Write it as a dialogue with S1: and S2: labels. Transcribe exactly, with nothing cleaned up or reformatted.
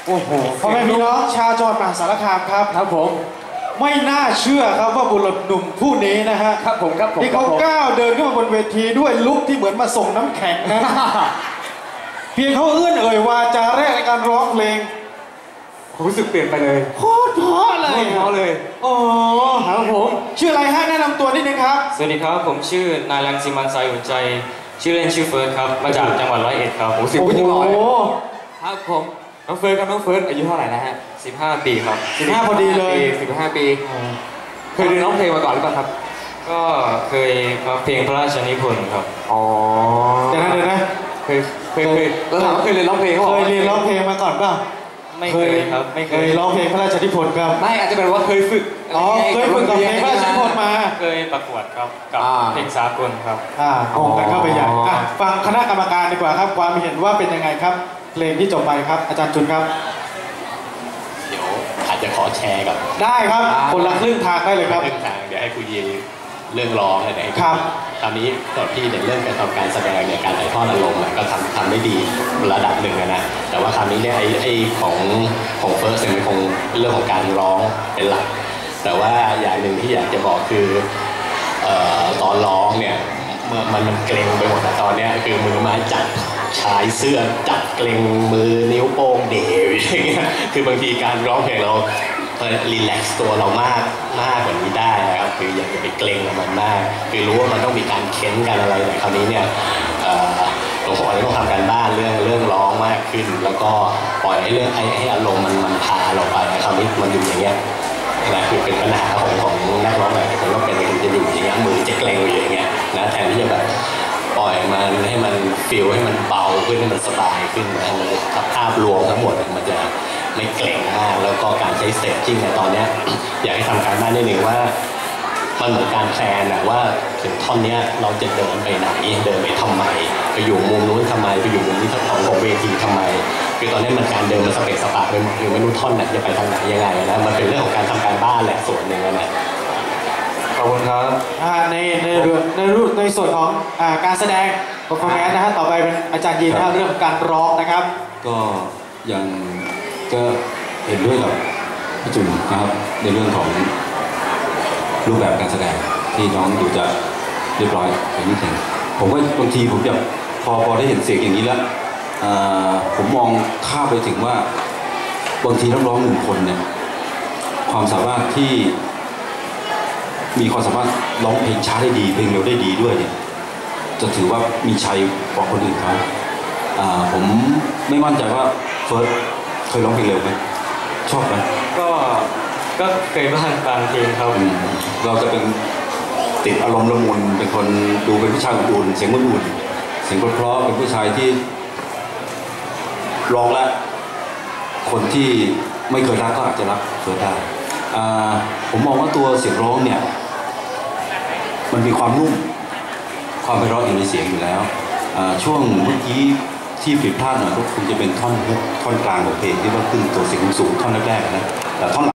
S1: โอ้โหพ่อแม่พี่น้องชาวจังหวัดมหาสารคามครับ
S2: ครับผม
S1: ไม่น่าเชื่อครับว่าบุรุษหนุ่มผู้นี้นะฮะ
S2: ครับผมครับผม
S1: ที่เขาก้าวเดินขึ้นมาบนเวทีด้วยลุคที่เหมือนมาส่งน้ำแข็งนะเพียงเขาเอื้อนเอ่ยวาจาแรกในการร้องเพลง
S2: รู้สึกเปลี่ยนไปเลย
S1: โคตรเพราะเลย
S2: เพราะเลย
S1: โอ้ครับผมชื่ออะไรฮะแนะนำตัวนิดนึงครับ
S3: สวัสดีครับผมชื่อนายรังสิมันต์ สายอุ่นใจชื่อเล่นชื่อเฟิร์สครับมาจากจังหวัดร้อยเอ็ดครับ
S2: โอ้สิบปีหน่อย
S3: ครับผม
S2: น้องเฟิร์สครับน้องเฟิร์สอายุเท่าไหร่นะฮะ
S3: สิบห้าปีครับ
S1: สิบห้าพอดีเลย
S2: สิบห้าปีเคยเรียนร้องเพลงมาก่อนหรือเปล่าครับ
S3: ก็เคยมาเพลงพระราชนิพนธ์ครับ
S2: อ๋อ
S1: เดี๋ยวนะเดี๋ยวนะ
S2: เคยเคยเคยแล้วถามว่าเคยเรียนร้องเพลง
S1: เคยเรียนร้องเพลงมาก่อนป่ะ
S3: ไม่เคยครับไม่
S1: เคยร้องเพลงพระราชนิพนธ์ครับ
S2: ไม่อาจจะเป็นว่าเคยฝึก
S1: อ๋อเคยฝึกกับเพลงพระราชนิพนธ์มา
S3: เคยประกวดครับกับเพลงสากลครับ
S1: อ่าโอ้กันเข้าไปใหญ่ฟังคณะกรรมการดีกว่าครับความเห็นว่าเป็นยังไงครับเพลงที่จบไปครับอาจารย์จุนครับ
S4: เดี๋ยวอาจจะขอแชร์กับ
S1: ได้ครับคนละครึ่งทางได้เลยครับ
S4: ครึ่งทางเดี๋ยวให้ครูยีเรื่องร้องอะไร
S1: ครับ
S4: ตอนนี้ตอนที่ในเรื่องการทำการแสดงเนี่ยการถ่ายทอดอารมณ์ก็ทำทำได้ดีระดับหนึ่งนะแต่ว่าคราวนี้เนี่ยไอ้ไอ้ของของเฟิร์สเนี่ยมันคงเรื่องของการร้องเป็นหลักแต่ว่าอย่างหนึ่งที่อยากจะบอกคือเอ่อตอนร้องเนี่ยเมื่อมันมันเกร็งไปหมดแต่ตอนนี้คือมือไม้จับชายเสื้อจับเกร็งมือนิ้วโป้งเดวอย่างเงี้ยคือบางทีการร้องเพลงเรารีแลกซ์ตัวเรามากมากกว่านี้ได้นะครับคืออยากจะไปเกรงกับมันมากคือรู้ว่ามันต้องมีการเค้นกันอะไรแต่คราวนี้เนี่ยหลวงพ่อต้องทำการบ้านเรื่องเรื่องร้องมากขึ้นแล้วก็ปล่อยให้เรื่องให้ให้อารมณ์มันมันพาเราไปคราวนี้มันอยู่อย่างเงี้ยนะคือเป็นปัญหาของของนักร้องแบบคนว่าเป็นมันจะอยู่อย่างเงี้ยมือจะเกรงอยู่อย่างเงี้ยนะแทนที่จะแบบปล่อยมันให้มันฟีลให้มันเบาขึ้นให้มันสบายขึ้นนะมันภาพรวมทั้งหมดมันจะไม่เกร็งมากแล้วก็การใช้สเตจจิ้งในตอนนี้อยากให้ทำการบ้านนิดนึงว่ามันเหมือนการแพลนนะว่าถึงท่อนนี้เราจะเดินไปไหนเดินไปทำไมไปอยู่มุมนู้นทำไมไปอยู่มุมนี้ทั้งของเวทีทำไมคือตอนนี้มันการเดินมันสเปซสปะไปหมดคือไม่รู้ท่อนไหนจะไปทางไหนยังไงนะมันเป็นเรื่องของการทำการบ้านแหละส่วนหนึ่งนะ
S3: ขอบคุณครับ
S1: ในในเรื่องในรูปในส่วนของการแสดง performance นะฮะต่อไปเป็นอาจารย์ยีนนะเรื่องการร้องนะครับ
S5: ก็ยังก็เห็นด้วยกับพี่จุนนะครับในเรื่องของรูปแบบการแสดงที่น้องดูจะเรียบร้อยไปนิดหนึ่งผมก็บางทีผมจะพอพอได้เห็นเสียงอย่างนี้แล้วผมมองข้ามไปถึงว่าบางทีนักร้องหนึ่งคนเนี่ยความสามารถที่มีความสามารถร้องเพลงช้าได้ดีเพลงเร็วได้ดีด้วยเนี่ยจะถือว่ามีชัยกว่าคนอื่นเขาผมไม่มั่นใจว่าเฟิร์สเคยร้องเพลงเร็วไหมชอบไหม
S3: ก็ก็เคยบ้างบางเพลงครับ
S5: เราจะเป็นติดอารมณ์ละมุนเป็นคนดูเป็นผู้ชายอุ่นเสียงอุ่นเสียงเพราะเป็นผู้ชายที่ร้องแล้วคนที่ไม่เคยรักก็อาจจะรักเฟิร์สได้ผมมองว่าตัวเสียงร้องเนี่ยมันมีความนุ่มความไพเราะอยู่ในเสียงอยู่แล้วช่วงเมื่อกี้ที่ผิดพลาดหน่อยก็คงจะเป็นท่อนฮุกท่อนกลางของเพลงที่ว่าขึ้นตัวเสียงสูงท่อนแรกๆนะแต่ท่อน